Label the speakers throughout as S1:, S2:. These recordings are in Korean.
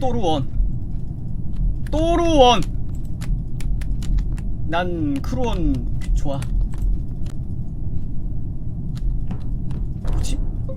S1: 또루원. 또루원. 난 크루원 좋아. 뭐지?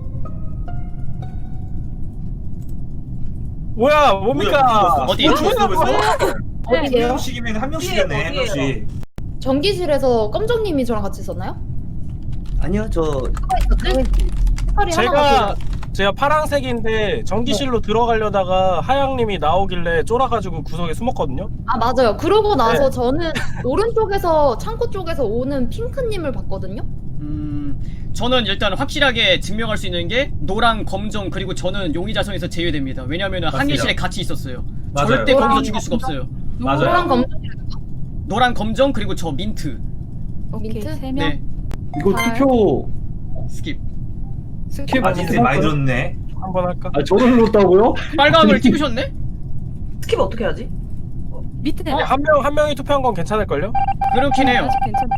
S2: 뭐야 뭡니까?
S1: 어디?
S3: 한
S4: 어디에요?
S3: 명씩이면 한 명씩이었네. 한 명씩.
S4: 전기실에서 껌정님이 저랑 같이 있었나요?
S5: 아니요 저
S4: 색깔이 하나가
S2: 제가 파란색인데 전기실로 들어가려다가 하양님이 나오길래 쫄아가지고 구석에 숨었거든요.
S4: 아 맞아요. 그러고 나서
S2: 네.
S4: 저는 오른쪽에서 창고 쪽에서 오는 핑크님을 봤거든요.
S1: 저는 일단 확실하게 증명할 수 있는 게 노랑 검정 그리고 저는 용의자성에서 제외됩니다. 왜냐면은
S3: 맞습니다.
S1: 항해실에 같이 있었어요.
S3: 맞아요.
S1: 절대
S4: 노랑
S1: 거기서 죽일 수가
S4: 검정?
S1: 없어요.
S3: 맞아요.
S4: 노랑 검정
S1: 노랑 검정 그리고 저 민트.
S4: 민트?
S6: 세 명.
S1: 네.
S7: 이거 투표
S1: 스킵.
S7: 스킵
S3: 아 진짜 많이 들었네.
S2: 한번 할까?
S7: 아 저를 넣었다고요?
S1: 빨강을 찍으셨네?
S6: 스킵 어떻게 하지? 밑에
S2: 한 명이 투표한 건 괜찮을걸요?
S1: 그렇긴 해요.
S6: 아직 괜찮아.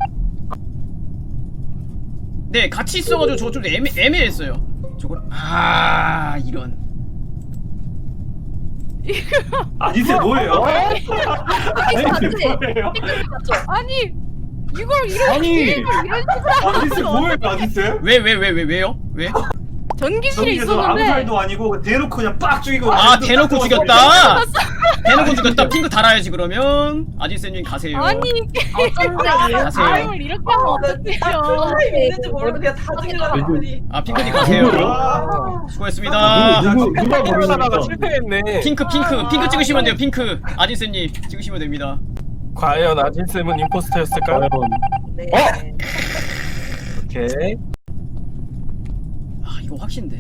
S1: 네, 같이 있어가지고 저거 좀 애매했어요. 저걸 이런.
S3: 아니세 뭐예요?
S4: 맞지?
S6: 아니 이걸 이런
S7: 아니
S3: 아니세 뭐예요? 아니세?
S1: 왜요? 왜?
S6: 전기실에
S3: 저기서 아무
S6: 있었는데
S3: 말도 아니고 대놓고 그냥 빡 죽이고.
S1: 대놓고 죽였다. 대놓고 죽였다. 핑크 달아야지 그러면. 아지쌤님 가세요.
S6: 아니
S1: 가세요.
S6: 아임을 이렇게 하면 어떡해요?
S4: 있는지 모르고 그냥 다
S7: 죽이려고
S1: 핑크님 가세요. 수고했습니다.
S7: 누가
S2: 하다가
S7: 모르니까
S2: 실패했네.
S1: 핑크 찍으시면 돼요. 핑크 아지쌤님 찍으시면 됩니다.
S2: 과연 아진쌤은 임포스터였을까요?
S7: 과연
S2: 오케이.
S1: 이거 확신데.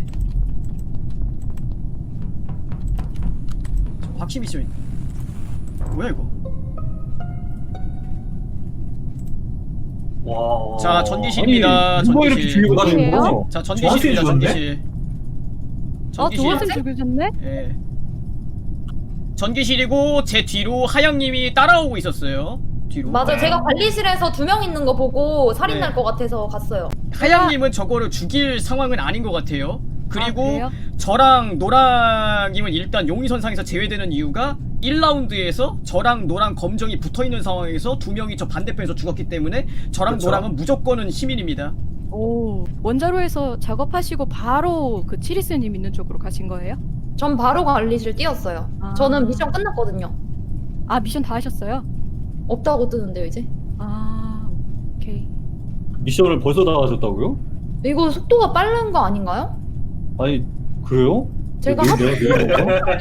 S1: 저 확신 미션. 뭐야 이거?
S3: 와.
S1: 자 전기실입니다.
S7: 아니, 누가 이렇게
S1: 전기실.
S7: 죽이고 가는 거야?
S1: 자
S3: 저한테
S1: 전기실입니다.
S3: 죽었네?
S1: 전기실.
S6: 조원쌤 죽으셨네?
S1: 예. 전기실이고 제 뒤로 하영님이 따라오고 있었어요. 뒤로.
S4: 맞아요. 제가 관리실에서 2명 있는 거 보고 살인
S1: 네.
S4: 날 것 같아서 갔어요.
S1: 하영님은 저거를 죽일 상황은 아닌 것 같아요. 그리고
S6: 그래요?
S1: 저랑 노랑님은 일단 용의선상에서 제외되는 이유가 1라운드에서 저랑 노랑 검정이 붙어있는 상황에서 2명이 저 반대편에서 죽었기 때문에 저랑
S3: 그쵸.
S1: 노랑은 무조건은 시민입니다.
S6: 오 원자로에서 작업하시고 바로 그 치리스님 있는 쪽으로 가신 거예요?
S4: 전 바로 관리실 뛰었어요.
S6: 아.
S4: 저는 미션 끝났거든요.
S6: 아 미션 다 하셨어요?
S4: 없다고 뜨는데요 이제.
S6: 아 오케이.
S7: 미션을 벌써 다 하셨다고요?
S4: 이거 속도가 빠른 거 아닌가요?
S7: 아니 그래요?
S4: 제가
S7: 왜
S4: 하도
S7: 내가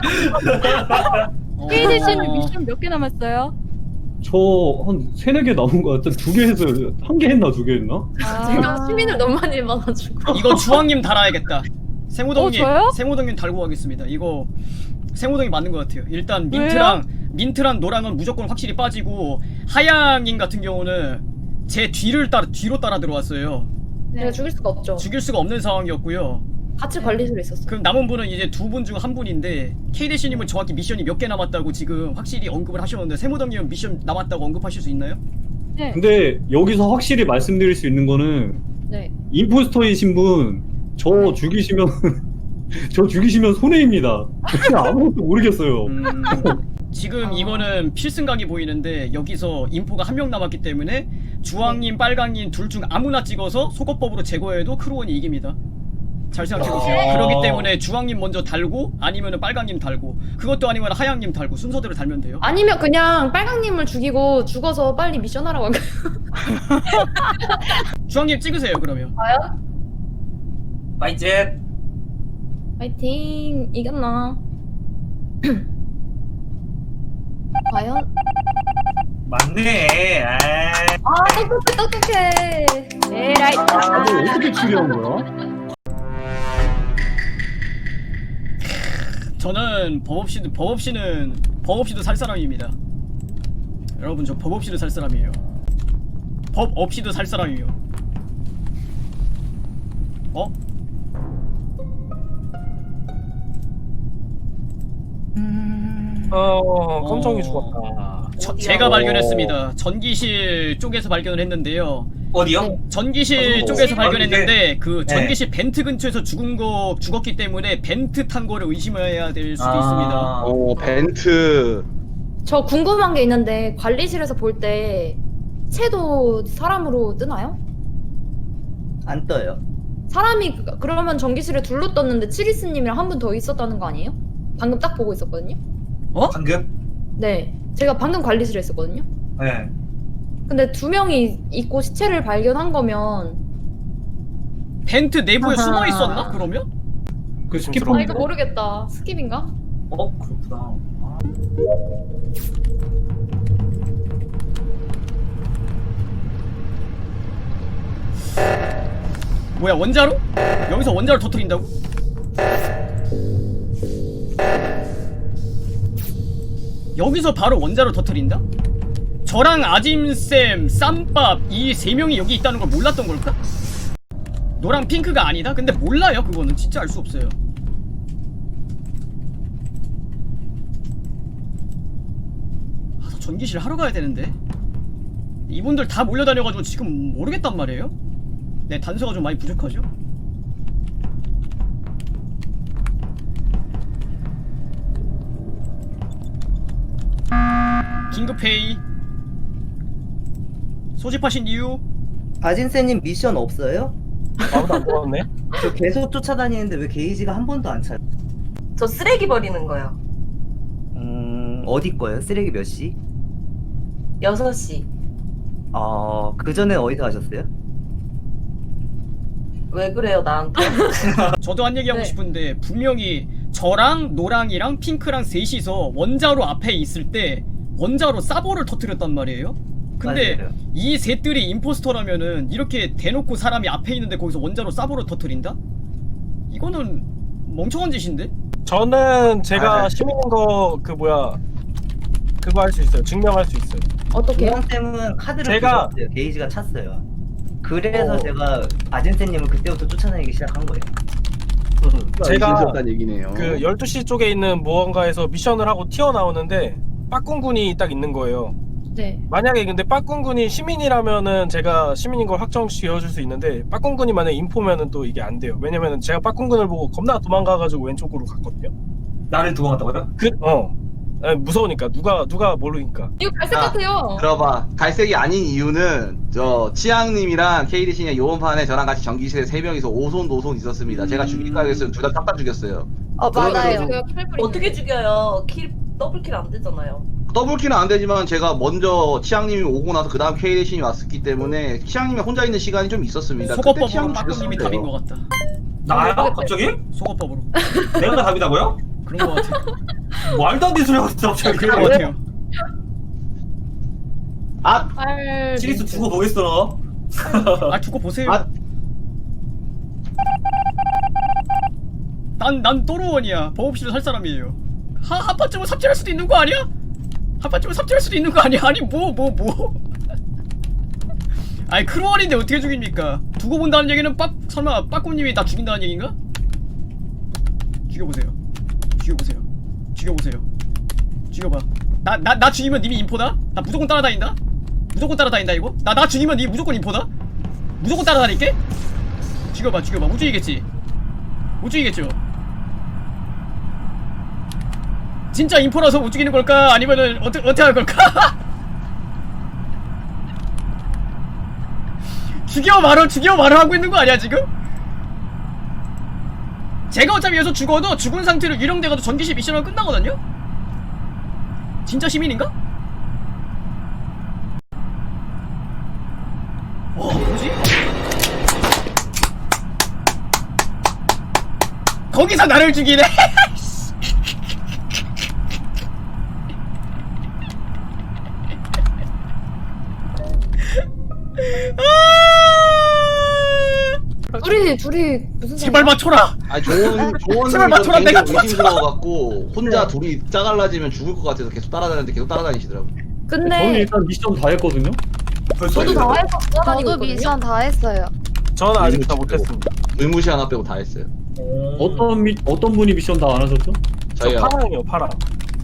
S6: 케이지 씨는 미션 몇 개 남았어요?
S7: 저한 3-4개 남은 거 같아. 2개 했어요. 1개 했나 2개 했나?
S4: 제가 시민을 너무 많이 봐가지고.
S1: 이거 주황님 달아야겠다. 생우동님,
S6: 저요?
S1: 생우동님 달고 가겠습니다. 이거 생우동이 맞는 것 같아요. 일단
S6: 왜요?
S1: 민트랑 노랑은 무조건 확실히 빠지고 하양님 같은 경우는 제 뒤로 따라 들어왔어요.
S4: 제가 죽일 수가 없죠.
S1: 죽일 수가 없는 상황이었고요.
S4: 같이 관리실에 있었어요.
S1: 그럼 남은 분은 이제 2분 중 1분인데 K대시님은 정확히 미션이 몇 개 남았다고 지금 확실히 언급을 하셨는데 세무동님은 미션 남았다고 언급하실 수 있나요?
S6: 네.
S7: 근데 여기서 확실히 말씀드릴 수 있는 거는
S4: 네.
S7: 임포스터이신 분 저 죽이시면 저 죽이시면 손해입니다. 그냥 아무것도 모르겠어요.
S1: 지금 이거는 필승각이 보이는데 여기서 인포가 1명 남았기 때문에 주황님, 빨강님 둘 중 아무나 찍어서 속어법으로 제거해도 크루원이 이깁니다. 잘 생각해보세요. 그렇기 때문에 주황님 먼저 달고 아니면은 빨강님 달고 그것도 아니면 하양님 달고 순서대로 달면 돼요.
S4: 아니면 그냥 빨강님을 죽이고 죽어서 빨리 미션 하러 갈까요?
S1: 주황님 찍으세요 그러면.
S4: 과연?
S3: 파이팅.
S4: 파이팅. 이겼나? 과연?
S3: 맞네.
S4: 똑똑해.
S6: 에라이.
S7: 다들 어떻게 추리한 거야?
S1: 저는 법 없이도 살 사람입니다. 여러분 저 법 없이도 살 사람이에요. 법 없이도 살 사람이에요. 어?
S2: 검정이 죽었다.
S1: 제가 발견했습니다. 전기실 쪽에서 발견을 했는데요.
S3: 어디요?
S4: 네.
S1: 전기실
S3: 어,
S1: 쪽에서
S3: 어,
S1: 발견했는데 그
S3: 네.
S1: 전기실 벤트 근처에서 죽었기 때문에 벤트 탄 거를 의심해야 될 수도
S3: 아.
S1: 있습니다.
S8: 벤트.
S4: 저 궁금한 게 있는데 관리실에서 볼 때 채도 사람으로 뜨나요?
S5: 안 떠요.
S4: 사람이 그러면 전기실에 둘로 떴는데 치리스님이랑 한 분 더 있었다는 거 아니에요? 방금 딱 보고 있었거든요.
S3: 방금?
S4: 네, 제가 방금 관리실에 있었거든요.
S3: 네.
S4: 근데 2명이 있고 시체를 발견한 거면
S1: 벤트 내부에
S4: 아하.
S1: 숨어 있었나? 그러면?
S7: 그
S4: 아
S7: 스키퍼
S4: 이거 모르겠다. 스킵인가?
S3: 그렇구나. 아.
S1: 뭐야 원자로? 여기서 원자로 터뜨린다고? 여기서 바로 원자로 터뜨린다? 저랑 아짐쌤, 쌈밥 이 세 명이 여기 있다는 걸 몰랐던 걸까? 노랑 핑크가 아니다? 근데 몰라요 그거는 진짜 알 수 없어요. 아, 저 전기실 하러 가야 되는데 이분들 다 몰려다녀가지고 지금 모르겠단 말이에요? 네, 단서가 좀 많이 부족하죠? 긴급회의 소집하신 이유?
S5: 아진세님 미션 없어요?
S2: 아무도 안 뽑았네.
S5: 저 계속 쫓아다니는데 왜 게이지가 한 번도 안 차요?
S9: 저 쓰레기 버리는 거요.
S5: 어디 거예요? 쓰레기 몇 시?
S9: 6시.
S5: 그 전에 어디서 하셨어요?
S9: 왜 그래요, 나한테?
S1: 저도 한 얘기하고
S4: 네.
S1: 싶은데 분명히 저랑 노랑이랑 핑크랑 셋이서 원자로 앞에 있을 때 원자로 사보를 터뜨렸단 말이에요? 근데
S5: 맞아요.
S1: 이 셋들이 임포스터라면은 이렇게 대놓고 사람이 앞에 있는데 거기서 원자로 사보를 터뜨린다? 이거는 멍청한 짓인데?
S2: 저는 제가
S3: 아,
S2: 시민인 거 그거 할 수 있어요. 증명할 수 있어요.
S4: 어떻게요?
S5: 주황쌤은 카드를
S2: 제가-
S5: 부셨어요. 게이지가 찼어요. 그래서
S2: 어.
S5: 제가 아진세님을 그때부터 쫓아다니기 시작한 거예요.
S2: 제가
S8: 얘기네요.
S2: 그 12시 쪽에 있는 무언가에서 미션을 하고 튀어나오는데 빠꿍군이 딱 있는 거예요.
S4: 네.
S2: 만약에 근데 빠꿍군이 시민이라면은 제가 시민인 걸 확정시켜줄 수 있는데 빠꿍군이 만약에 인포면은 또 이게 안 돼요. 왜냐면은 제가 빠꿍군을 보고 겁나 도망가가지고 왼쪽으로 갔거든요.
S3: 나를 도망갔다고요?
S2: 무서우니까 누가 모르니까.
S4: 이거 갈색 같아요.
S8: 들어봐. 갈색이 아닌 이유는 저 치앙님이랑 케이리신이 요번 판에 저랑 같이 전기실에 3명이서 오손 노손 있었습니다. 제가 죽일까 했어요. 둘 다 딱 죽였어요.
S9: 맞아요.
S4: 제가 킬불
S9: 어떻게 죽여요? 더블킬 안 되잖아요.
S8: 더블킬은 안 되지만 제가 먼저 치앙님이 오고 나서 그 다음 케이리신이 왔기 때문에 치앙님이 혼자 있는 시간이 좀 있었습니다. 그때
S1: 속어법으로
S8: 치앙님
S1: 빠꾸님이
S8: 죽였어요.
S1: 답인 것 같다.
S3: 나요? 갑자기?
S1: 속어법으로
S3: 내가 답이다고요?
S1: 그런 것 같아.
S3: 말도 안 되는 소리 하고 있어 갑자기.
S1: 그런 것 같아요.
S8: 아!
S3: 시리스 두고 보겠어.
S1: 아 두고 보세요.
S8: 아.
S1: 난 또로원이야. 버업실을 살 사람이에요. 한 판쯤은 삽질할 수도 있는 거 아니야? 한 판쯤은 삽질할 수도 있는 거 아니야? 아니 뭐. 아니 크루원인데 어떻게 죽입니까? 두고 본다는 얘기는 설마 빠꾸님이 나 죽인다는 얘기인가? 죽여보세요. 죽여봐. 나 죽이면 님이 인포다? 나 무조건 따라다닌다? 이거? 나 죽이면 니 무조건 인포다? 무조건 따라다닐게? 죽여봐. 못 죽이겠지? 못 죽이겠죠? 진짜 인포라서 못 죽이는 걸까? 아니면은 어떻게 할 걸까? 죽여 말을 하고 있는 거 아니야 지금? 제가 어차피 여기서 죽어도 죽은 상태로 유령돼가지고 전기실 미션은 끝나거든요? 진짜 시민인가? 뭐지? 거기서 나를 죽이네?
S4: 둘이 무슨
S1: 제발 맞춰라!
S8: 아 조언
S1: 제발 맞춰라, 내가
S8: 의심스러워갖고 혼자
S4: 네.
S8: 둘이 짜갈라지면 죽을 것 같아서 계속 따라다니시더라고.
S7: 저는
S4: 근데
S7: 일단 미션 다 했거든요.
S3: 벌써
S4: 저도 다 해서
S10: 저도
S4: 돌아다니고
S10: 미션 다 했어요.
S2: 저는 아직 다 못했습니다.
S8: 의무시 하나 빼고 다 했어요.
S7: 어떤 분이 미션 다 안 하셨죠?
S2: 저
S8: 저희요.
S2: 파랑이요, 파랑.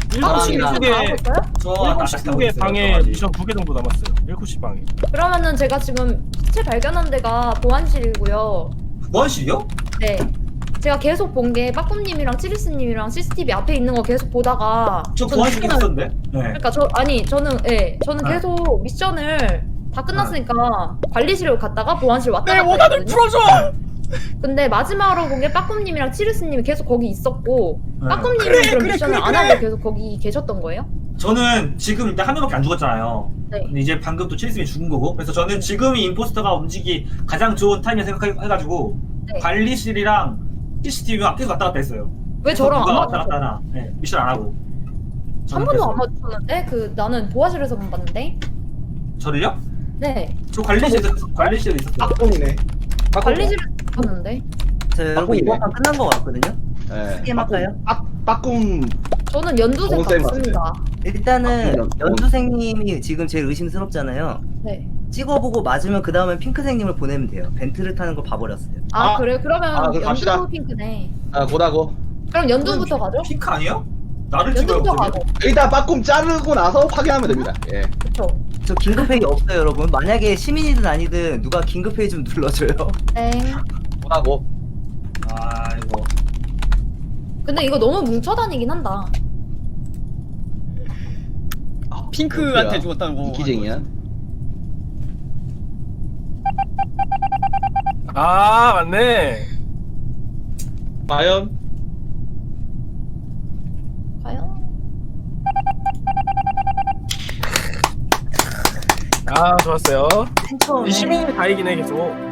S8: 사람이랑
S2: 7시 쪽에
S4: 나왔어요?
S3: 저
S2: 7시 쪽에 방에 미션 2개 정도 남았어요. 7시 방에.
S4: 그러면은 제가 지금 시체 발견한 데가 보안실이고요.
S3: 무한실이요?
S4: 네. 제가 계속 본 게 빠꿈님이랑 치리스님이랑 CCTV 앞에 있는 거 계속 보다가
S3: 저
S4: 저는
S3: 무한실
S4: 미션을-
S3: 있었는데. 네.
S4: 그러니까 저는
S3: 네.
S4: 계속 미션을 다 끝났으니까 관리실로 갔다가 보안실 왔다
S1: 내
S4: 갔다
S1: 원한을
S4: 했거든요.
S1: 풀어줘!
S4: 근데 마지막으로 본 게 빠꿈님이랑 치리스님이 계속 거기 있었고
S3: 네.
S4: 빠꿈님은 그럼 미션을 안 하고 계속 거기 계셨던 거예요?
S3: 저는 지금 일단 한 명밖에 안 죽었잖아요.
S4: 네.
S3: 근데 이제 방금 또 칠스님이 죽은 거고. 그래서 저는 지금이 임포스터가 움직이 가장 좋은 타이밍 생각해가지고
S4: 네.
S3: 관리실이랑 CCTV가 계속 왔다 갔다 했어요.
S4: 왜 저랑
S3: 누가
S4: 안
S3: 왔다
S4: 맞았어?
S3: 갔다 하나. 네, 미션 안 하고.
S4: 한
S3: 저는
S4: 번도
S3: 그랬어요.
S4: 안 맞았었는데 그 나는 보안실에서만 봤는데.
S3: 저를요?
S4: 네.
S3: 저 관리실에 있었어요.
S8: 빠꿈이네.
S4: 관리실에서 봤는데.
S5: 저 여러분
S8: 바꾸네.
S5: 이번 판 끝난 거 같거든요.
S8: 예.
S5: 게임 할까요?
S8: 빠꿈
S4: 저는 연두색
S8: 정쌤
S4: 봤습니다.
S5: 일단은
S8: 아,
S5: 연두생님이 지금 제일 의심스럽잖아요.
S4: 네.
S5: 찍어보고 맞으면 그 다음에 핑크생님을 보내면 돼요. 벤트를 타는 걸 봐버렸어요.
S4: 아,
S8: 아,
S4: 그래? 그러면
S8: 그럼 갑시다.
S4: 연두 핑크네.
S8: 고다고.
S4: 그럼 연두부터 가죠?
S3: 핑크 아니에요? 나를 찍어요.
S4: 연두부터
S3: 그러면?
S4: 가고.
S8: 일단 빠꿈 자르고 나서 확인하면 됩니다. 예.
S4: 그쵸.
S5: 저 긴급회의 없어요, 여러분. 만약에 시민이든 아니든 누가 긴급회의 좀 눌러줘요.
S4: 땡.
S8: 고다고.
S3: 아이고.
S4: 근데 이거 너무 뭉쳐다니긴 한다.
S1: 핑크한테 죽었다는 거.
S8: 이기쟁이야.
S2: 아 맞네.
S8: 과연
S4: 과연?
S2: 아 좋았어요.
S5: 맨 처음에
S2: 이 시민이 다이긴 해 계속.